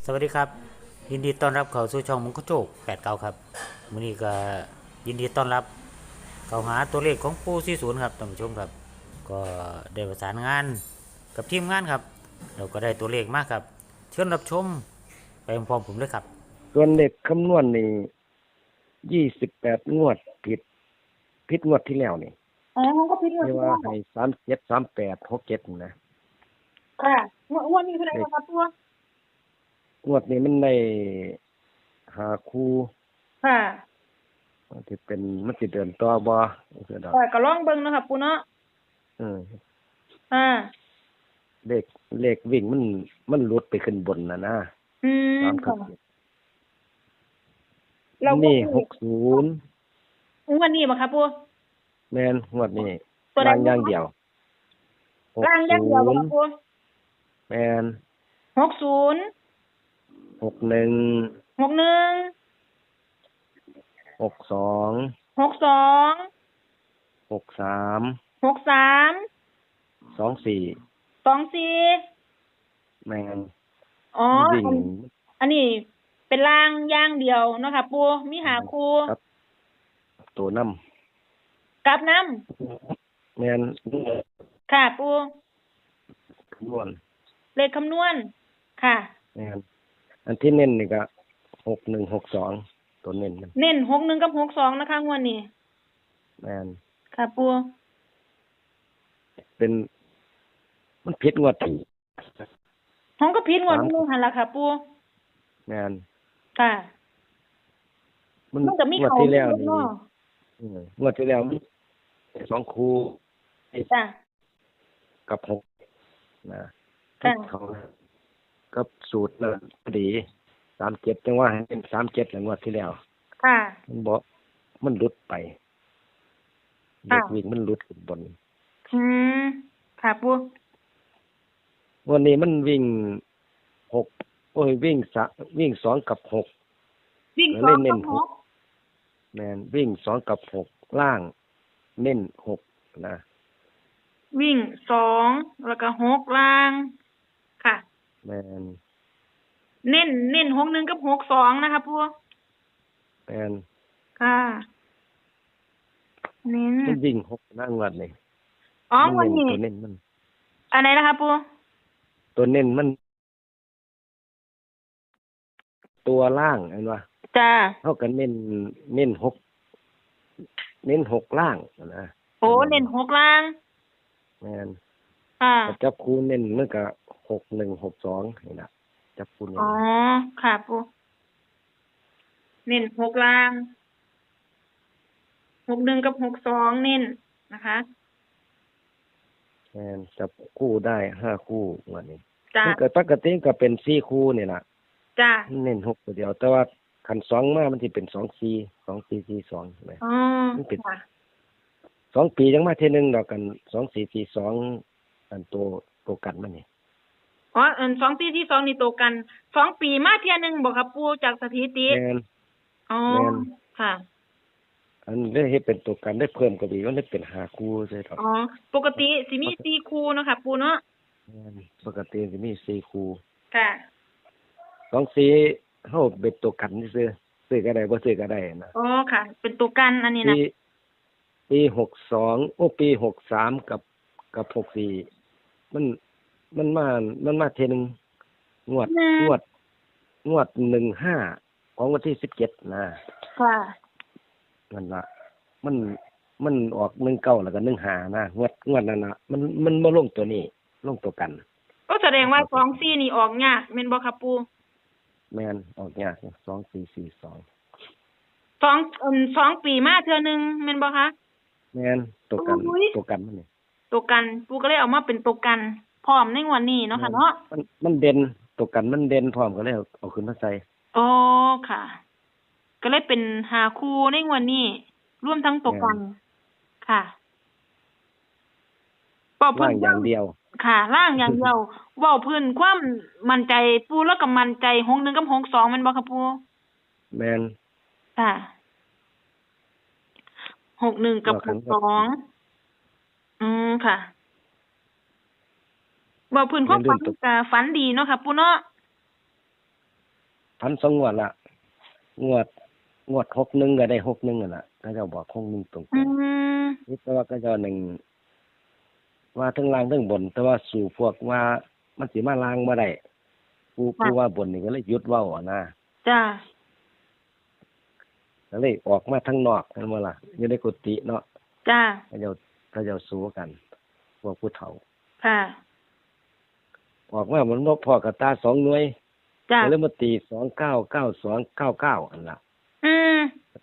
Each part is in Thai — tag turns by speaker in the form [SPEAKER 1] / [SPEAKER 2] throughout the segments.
[SPEAKER 1] สวัสดีครับยินดีต้อนรับเข้าสู่ช่องมุงคโจก89ครับมื้อนี้ก็ยินดีต้อนรับเข้าหาตัวเลขของปู40ครับท่านผู้ชมครับก็ได้ประสานงานกับทีมงานครับเราก็ได้ตัวเลขมาครับเชิญรับชมไปพร้อมๆผมเลยครับ
[SPEAKER 2] ส่วนเด็กคำนวณนี่28งวดผิดงวดที่แล้วนี่
[SPEAKER 3] อ๋อมันก็พิจาร
[SPEAKER 2] ที่ว่า
[SPEAKER 3] ณา
[SPEAKER 2] ให้37 38 67นี่นะ
[SPEAKER 3] ค่ะงวดนี้เท่าไหร่
[SPEAKER 2] เด็ก
[SPEAKER 3] คะตัว
[SPEAKER 2] งวดนี้มันได้หาคู่
[SPEAKER 3] ค่ะ
[SPEAKER 2] มันสิเดินต่อบ่จังซี่ดอก
[SPEAKER 3] ค่ะก็ลองเบิ่งเนาะค่ะปูเนาะ
[SPEAKER 2] อือ
[SPEAKER 3] อ่า
[SPEAKER 2] เลขวิ่งมันหลุดไปขึ้นบนนะ
[SPEAKER 3] อืม
[SPEAKER 2] 3กั
[SPEAKER 3] ค่ะ
[SPEAKER 2] บ7
[SPEAKER 3] เราก็
[SPEAKER 2] นี่
[SPEAKER 3] คื
[SPEAKER 2] 60
[SPEAKER 3] งวดนี้บ่คะปู
[SPEAKER 2] แม่นงวดนี้
[SPEAKER 3] ตัวใด
[SPEAKER 2] ล่างอย่างเดียว
[SPEAKER 3] ล่างอย่างเดียวบ่คะปู
[SPEAKER 2] 60แม่น
[SPEAKER 3] 60
[SPEAKER 2] 61
[SPEAKER 3] 61
[SPEAKER 2] 62
[SPEAKER 3] 62
[SPEAKER 2] 63
[SPEAKER 3] 63
[SPEAKER 2] 24
[SPEAKER 3] 24
[SPEAKER 2] แม่น
[SPEAKER 3] อ๋อ
[SPEAKER 2] วิ่ง
[SPEAKER 3] อันนี้เป็นล่างอย่างเดียวเนาะค่ะปูมีหาคู่
[SPEAKER 2] ครับตัวน้
[SPEAKER 3] กลับนำ
[SPEAKER 2] ำแม่น
[SPEAKER 3] ค่ะปู
[SPEAKER 2] คำนวณ
[SPEAKER 3] เลขคำนวณค่ะ
[SPEAKER 2] แม่นอันที่เน้นนี่ก็6162ตัวเน้นมัน
[SPEAKER 3] เน้น61กับ62นะคะงวดนี้
[SPEAKER 2] แม่น
[SPEAKER 3] ค่ะปู
[SPEAKER 2] เป็นมันผิดงวดที่
[SPEAKER 3] ห้องก็ผิดงวดนึงหั่นล่ะค่ะปู
[SPEAKER 2] แม่น
[SPEAKER 3] ค่ะ
[SPEAKER 2] มัน
[SPEAKER 3] มันก็มี
[SPEAKER 2] งวด
[SPEAKER 3] เขา
[SPEAKER 2] ที่แล้วนี่
[SPEAKER 3] เนาะ
[SPEAKER 2] งวดที่แล้วมันสองคู่
[SPEAKER 3] จ้ะ
[SPEAKER 2] กับ6นะ
[SPEAKER 3] ค่ะ
[SPEAKER 2] เขากับสูตรน่ะพอดี37จังว่าให้เป็น37แล้วงวดที่แล้ว
[SPEAKER 3] ค่ะ
[SPEAKER 2] มันบ่มันหลุดไปเด็กวิ่งมันหลุดขึ้นบน
[SPEAKER 3] อืมค่ะปู
[SPEAKER 2] วันนี้มันวิ่ง6วิ่ง2กับ6
[SPEAKER 3] วิ่ง
[SPEAKER 2] แล้ว
[SPEAKER 3] 2
[SPEAKER 2] เน้
[SPEAKER 3] กับ
[SPEAKER 2] น
[SPEAKER 3] 6
[SPEAKER 2] แม่นวิ่ง2กับ6ล่างเน้น6นะ
[SPEAKER 3] วิ่ง2แล้วก็6ล่าง ค่ะ
[SPEAKER 2] แม่น
[SPEAKER 3] เน้น61กับ62นะคะปู
[SPEAKER 2] แม่น
[SPEAKER 3] ค่ะ เน้น
[SPEAKER 2] มันวิ่ง6นะงวดนี่
[SPEAKER 3] อ๋อวันนี้
[SPEAKER 2] ตัวเน้นมัน
[SPEAKER 3] อันไหนนะคะปู
[SPEAKER 2] ตัวเน้นมัน ตัวล่างเห็นบ่
[SPEAKER 3] จ้า
[SPEAKER 2] เฮาก็เน้น6ล่างนะ
[SPEAKER 3] โอ้เน้น6ล่าง
[SPEAKER 2] แม่น
[SPEAKER 3] ค่ะ
[SPEAKER 2] จับคู่เน้นมันก็6162นี่ล่ะจับคู่เน้น
[SPEAKER 3] อ๋อ ค่ะปูเน้น6ล่าง61กับ62เน้นนะคะ
[SPEAKER 2] แม่นจับคู่ได้5คู่งวดนี้
[SPEAKER 3] จ้า
[SPEAKER 2] มันก็ปกติก็เป็น4คู่นี่ล่ะ
[SPEAKER 3] จ้า
[SPEAKER 2] เน้น6ตัวเดียวแต่ว่าคัน2มามันสิเป็น2442ใช่ไหม
[SPEAKER 3] อ๋อ
[SPEAKER 2] มันเป็น
[SPEAKER 3] ค่ะ
[SPEAKER 2] 2 ปีจังมาเทื่อนึงดอกกัน2442อันตัวกันมันนี่
[SPEAKER 3] อ๋อ2ปีที่2นี่โตกัน2ปีมาเที่ยหนึงบ่ครับปู่จากสถิติ
[SPEAKER 2] แม่น
[SPEAKER 3] อ๋อ
[SPEAKER 2] แม่น
[SPEAKER 3] ค่ะ
[SPEAKER 2] อันได้เฮ็ดเป็นตัวกันได้เพิ่มก็ดีมันได้เป็น5คู่ใช่ดอก
[SPEAKER 3] อ๋อ ปกติสิมี4คู่เนาะค่ะปู่เนาะ
[SPEAKER 2] แม่นปกติสิมี4คู่
[SPEAKER 3] ค่ะ
[SPEAKER 2] 24เฮาเป็นตัวกันซื่อซื้อก็ได้บ่ซื้อก็ได้นะ
[SPEAKER 3] อ๋อค่ะ เป็นตัวกันอันนี้นะ
[SPEAKER 2] ปี62ปี63กับ64มันมาเทื่อนึงงวด 15ของวันที่17นะ
[SPEAKER 3] ค่ะ
[SPEAKER 2] นั่นล่ะมันออก19แล้วก็15นะงวดนั้นน่ะมันบ่ลงตัวนี้ลงตัวกัน
[SPEAKER 3] ก็แสดงว่า24นี่ออกยากแม่นบ่ครับปู่
[SPEAKER 2] แม่นออกยาก2442
[SPEAKER 3] 2ปีมาเทื่อหนึงแม่นบ่คะ
[SPEAKER 2] แม่นตัวกัน
[SPEAKER 3] โอ้ย
[SPEAKER 2] ตัวกันมันนี่
[SPEAKER 3] ตัวกันปู่ก็เลยเอามาเป็นตัวกันพร้อมในงวดนี้เนาะค่ะเนาะ
[SPEAKER 2] มันเด่นตัวกันมันเด่นพร้อมก็เลยเอาขึ้นมาใส่
[SPEAKER 3] อ๋อค่ะ ก็เลยเป็น5คู่ในงวดนี้รวมทั้งตัวกัน ค่ะเว้า
[SPEAKER 2] ล่าง
[SPEAKER 3] น
[SPEAKER 2] อย่างเดียว
[SPEAKER 3] ค่ะล่างอย่างเดียว เว้าพื้นความมั่นใจปูแล้วก็มั่นใจ61กับ62แม่นบ่ครับปู
[SPEAKER 2] แม่น
[SPEAKER 3] ค่ะ61กับ62ค่ะเว้าพื้นความฝันก็ฝันดีเนาะค่ะปูเนาะ
[SPEAKER 2] พันสองงวดละงวด61ก็ได้61นั่นล่ะเขาเจ้าบอก61ตรง
[SPEAKER 3] อืม
[SPEAKER 2] ๆนี่แต่ว่าเขาเจ้าหนึ่งว่าทั้งล่างทั้งบน แต่ว่าสู่พวกว่ามันสิมาล่างบ่ได้ผู้ว่าบนนี่ก็เลยหยุดเว้าอะนะ
[SPEAKER 3] จ้า
[SPEAKER 2] ก็เลยออกมาทางนอกนั่นบ่ล่ะอยู่ในกุฏิเนาะ
[SPEAKER 3] จ้า
[SPEAKER 2] เขาเจ้าสู้กันพวกผู้เฒ่า
[SPEAKER 3] ค่ะ
[SPEAKER 2] ออกมามันบ่พอกับตา2หน่วย
[SPEAKER 3] จ้า
[SPEAKER 2] ก็เลยมาตี299299อันล่ะ
[SPEAKER 3] อืม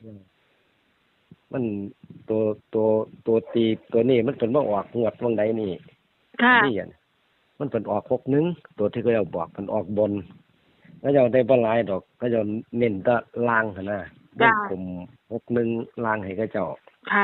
[SPEAKER 2] มันตัวตีตัวนี้มันเป็นมาออกงวดวงใดนี่
[SPEAKER 3] ค่ะ
[SPEAKER 2] นี่อ่ะมันเป็นออก61ตัวที่เขาเจ้าบอกมันออกบนเขาเจ้าได้บ่หลายดอกเขาเจ้าเน้นแตะล่างหั่นน่ะวงกลม61ล่างให้เขาเจ้า
[SPEAKER 3] ค่ะ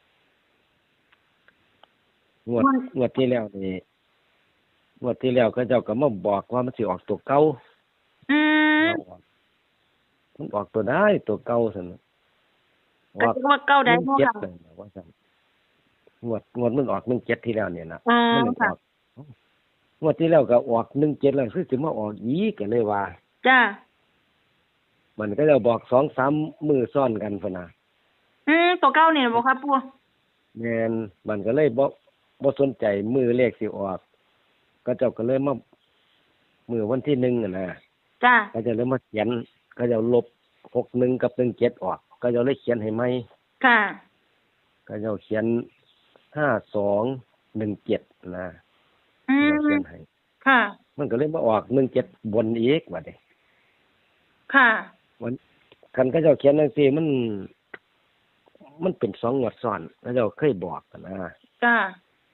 [SPEAKER 2] งวดที่แล้วนี่งวดที่แล้วเขาเจ้าก็มาบอกว่ามันสิออกตัวเก่า
[SPEAKER 3] อืม
[SPEAKER 2] มันออกตัวได้ตัวเก่าซั่นน่ะ
[SPEAKER 3] ก็คือว่าเก้าได้บ่
[SPEAKER 2] 17
[SPEAKER 3] ค่ะ
[SPEAKER 2] นั่นน่ะว่าซั่นงวดมันออก17ที่แล้วเนี่ยนะ
[SPEAKER 3] อ๋อ
[SPEAKER 2] มันอ
[SPEAKER 3] ค่ะ
[SPEAKER 2] อกงวดที่แล้วก็ออก17แล้วคือสิมาออกอีกก็เลยว่า
[SPEAKER 3] จ้า
[SPEAKER 2] มันก็จะบอก 2-3 มื้อซ้อนกันพุ่นน่ะ
[SPEAKER 3] ตัวเก้าเนี่ยบ่ครับปู่
[SPEAKER 2] แม่นมันก็เลยบ่สนใจมื้อเลขสิออกก็เจ้าก็เลยมามื้อวันที่1น่ะนะ
[SPEAKER 3] จ้า
[SPEAKER 2] ก็จะเลยมาเขียนก็จะลบ61กับ17ออกก็จะเลยเขียนให้ใหม่
[SPEAKER 3] ค่ะ
[SPEAKER 2] ก็จะเขียน5217นะ
[SPEAKER 3] อื
[SPEAKER 2] เราเขีย
[SPEAKER 3] ม
[SPEAKER 2] นให้
[SPEAKER 3] ค่ะ
[SPEAKER 2] มันก็เลยมาออก17บนอีกบัดนี้
[SPEAKER 3] ค่ะ
[SPEAKER 2] มันคันเขาเจ้าเขียนจังซี่มันเป็น2งวดซ้อนเขาเจ้าเคยบอกกันนะ
[SPEAKER 3] จ้า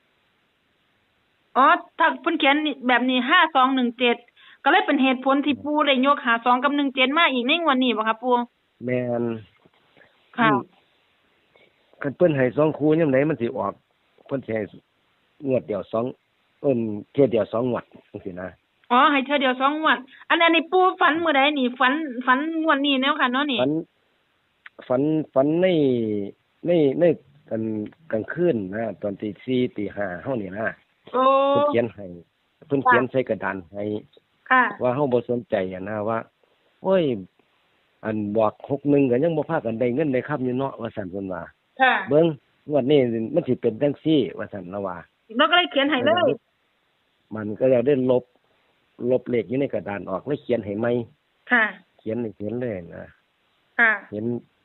[SPEAKER 3] อ๋อ ถ้าเพิ่นเขียนแบบนี้5217ก็เลยเป็นเหตุผลที่ปู่ได้ยก52กับ17มาอีกในงวดนี้บ่ครับปู่
[SPEAKER 2] แม่น
[SPEAKER 3] ค่ะ
[SPEAKER 2] คันเพิ่นให้2คู่ยามใดมันสิออกเพิ่นสิให้งวดเดียวเที่ยเดียว2งวดจังซี่นะ
[SPEAKER 3] อ๋อ ให้เทื่อเดียว2งวด อันนี้ปู่ฝันมื้อใดนี่ฝันงวดนี้แนวค่ะเนาะนี่
[SPEAKER 2] ฝันในกลางคืนนะตอนตี4ตี5เฮานี่นะ
[SPEAKER 3] โอ้
[SPEAKER 2] เพิ่นเขียนให้เพิ่นเขียนใส่กระดานให้
[SPEAKER 3] ค่ะ
[SPEAKER 2] ว่าเฮาบ่สนใจอะนะว่าโอ้ยอันบอก61ก็ยังบ่พากันได้เงินได้คำอยู่เนาะว่าซั่นเพิ่นว่า
[SPEAKER 3] ค่ะ
[SPEAKER 2] เบิ่งงวดนี้มันสิเป็นจังซี่ว่าซั่นละว่า
[SPEAKER 3] เราก็เลยเขียนให้เลย
[SPEAKER 2] มันก็จะได้ลบเลขอยู่ในกระดานออกแล้วเขียนให้ใหม่
[SPEAKER 3] ค่ะ
[SPEAKER 2] เขียนเลยนะ
[SPEAKER 3] ค่ะ
[SPEAKER 2] เห็น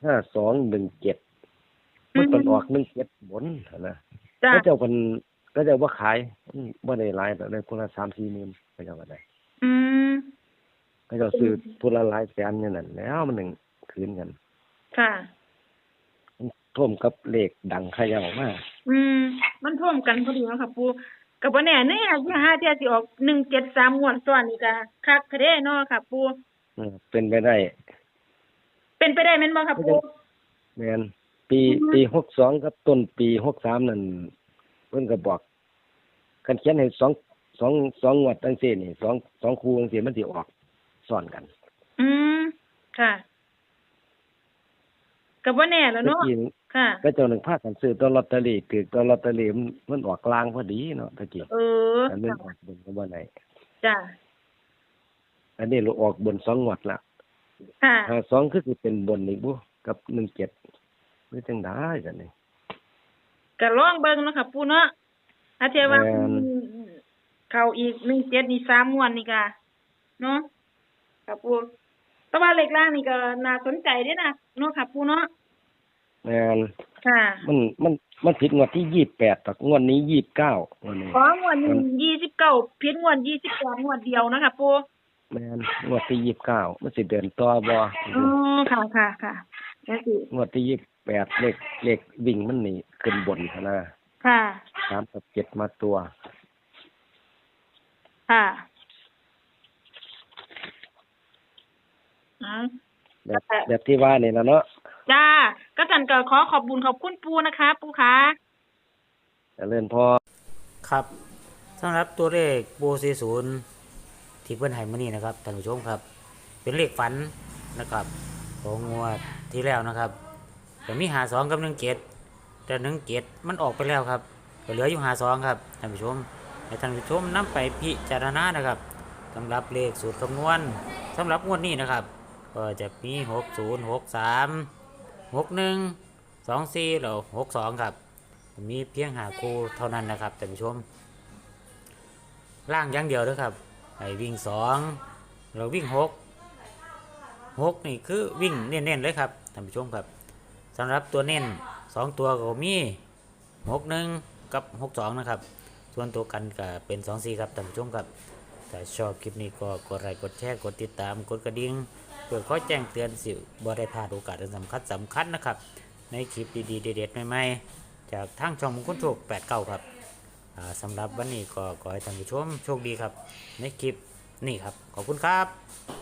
[SPEAKER 2] 5217มันเป็นออก17บนหั่นนะ
[SPEAKER 3] จ้า
[SPEAKER 2] ก็เจ้าบ่ขายบ่ได้หลายแต่ได้คนละ 3-4 หมื่นก็เจ้าก็ได้
[SPEAKER 3] อืม
[SPEAKER 2] ก็เจ้าซื้อคนละหลายแสนอย่างนั้นแล้วมันนึงคืนกัน
[SPEAKER 3] ค่ะ
[SPEAKER 2] ท่วมกับเลขดังเขย่ามา
[SPEAKER 3] มันท่วมกันพอดีเนาะค่ะปู่ก็บ่แน่แน่อย่าหาเที่ยสิออก173งวดซ้อนนี่ก็คักแท้เนาะค่ะปู่
[SPEAKER 2] เป็นไปได้
[SPEAKER 3] เป็นไปได้แม่นบ่ค่ะปู่
[SPEAKER 2] แม่นปี62กับต้นปี63นั่นเพิ่นก็บอกคันเขียนให้2งวดจังซี่นี่2คู่จังซี่มันสิออกซ้อนกัน
[SPEAKER 3] ค่ะก็บ่แน่แล้ว
[SPEAKER 2] เมื่อ
[SPEAKER 3] เนาะ
[SPEAKER 2] กี้
[SPEAKER 3] ค่ะ
[SPEAKER 2] ก็เจ้าหนึ่งพากันซื้อตัวลอตเตอรี่คือตัวลอตเตอรี่มันออกกลางพอดีเนาะตะกี้
[SPEAKER 3] เออ
[SPEAKER 2] อันนี้ออกบนก็บ่ได้
[SPEAKER 3] จ้ะ
[SPEAKER 2] อันนี้เราออกบน2งวดละ
[SPEAKER 3] ค่ะ
[SPEAKER 2] 52คือสิเป็นบนอีกบ่กับ17คือจังได๋กันนี่
[SPEAKER 3] ก็ลองเบิ่งเนาะค่ะปู่เนาะถ้าเทียบว่า
[SPEAKER 2] แม่น
[SPEAKER 3] เข้าอีก17นี่3งวดนี่ก็เนาะค่ะปู่แต่ว่าเลขล่างนี่ก็น่าสนใจเด้นะเนาะค่ะปู่เนาะ
[SPEAKER 2] แม่น
[SPEAKER 3] ค่ะ
[SPEAKER 2] มันผิดงวดที่28ตอกงวดนี้29งวดนี้
[SPEAKER 3] ของงวดนี้29ผิดงวด28งวดเดียวนะคะปู่
[SPEAKER 2] แม่นงวดที่29มันสิเดินต่อบ่
[SPEAKER 3] อ๋อค่ะแล้วสิ
[SPEAKER 2] งวดที่28เลขวิ่งมันนี่ขึ้นบนหั่นนะ
[SPEAKER 3] ค่ะ
[SPEAKER 2] 3กับ7มาตัว
[SPEAKER 3] ค่ะอ๋อ
[SPEAKER 2] แบบที่ว่านี่ล่ะเนาะ
[SPEAKER 3] จ้าก็จันก็ขอขอบบุญขอบคุณปู่นะคะปู่คะ
[SPEAKER 2] เจริญพร
[SPEAKER 1] ครับสำหรับตัวเลขปู40ที่เพิ่นให้มานี่นะครับท่านผู้ชมครับ เป็นเลขฝันนะครับของงวดที่แล้วนะครับก็มี52กับ17แต่17มันออกไปแล้วครับก็เหลืออยู่52ครับท่านผู้ชมให้ท่านผู้ชมนำไปพิจารณานะครับสำหรับเลขสูตรคำนวณสำหรับงวดนี้นะครับก็จะมี60 63 61 24แล้ว62ครับมีเพียง5คู่เท่านั้นนะครับท่านผู้ชมล่างอย่างเดียวเด้อครับให้วิ่ง2เราวิ่ง6นี่คือวิ่งเน้นๆเลยครับท่านผู้ชมครับสำหรับตัวเน้น2ตัวก็มี61กับ62นะครับส่วนตัวกันก็เป็น24ครับท่านผู้ชมครับถ้าชอบคลิปนี้ก็กดไลค์กดแชร์กดติดตามกดกระดิ่งเพื่อขอแจ้งเตือนสิบ่ได้พลาดโอกาสสำคัญนะครับในคลิปดีๆเด็ดๆใหม่ๆจากทางช่องมงคลโชค89ครับสำหรับวันนี้ก็ขอให้ท่านผู้ชมโชคดีครับในคลิปนี้ครับขอบคุณครับ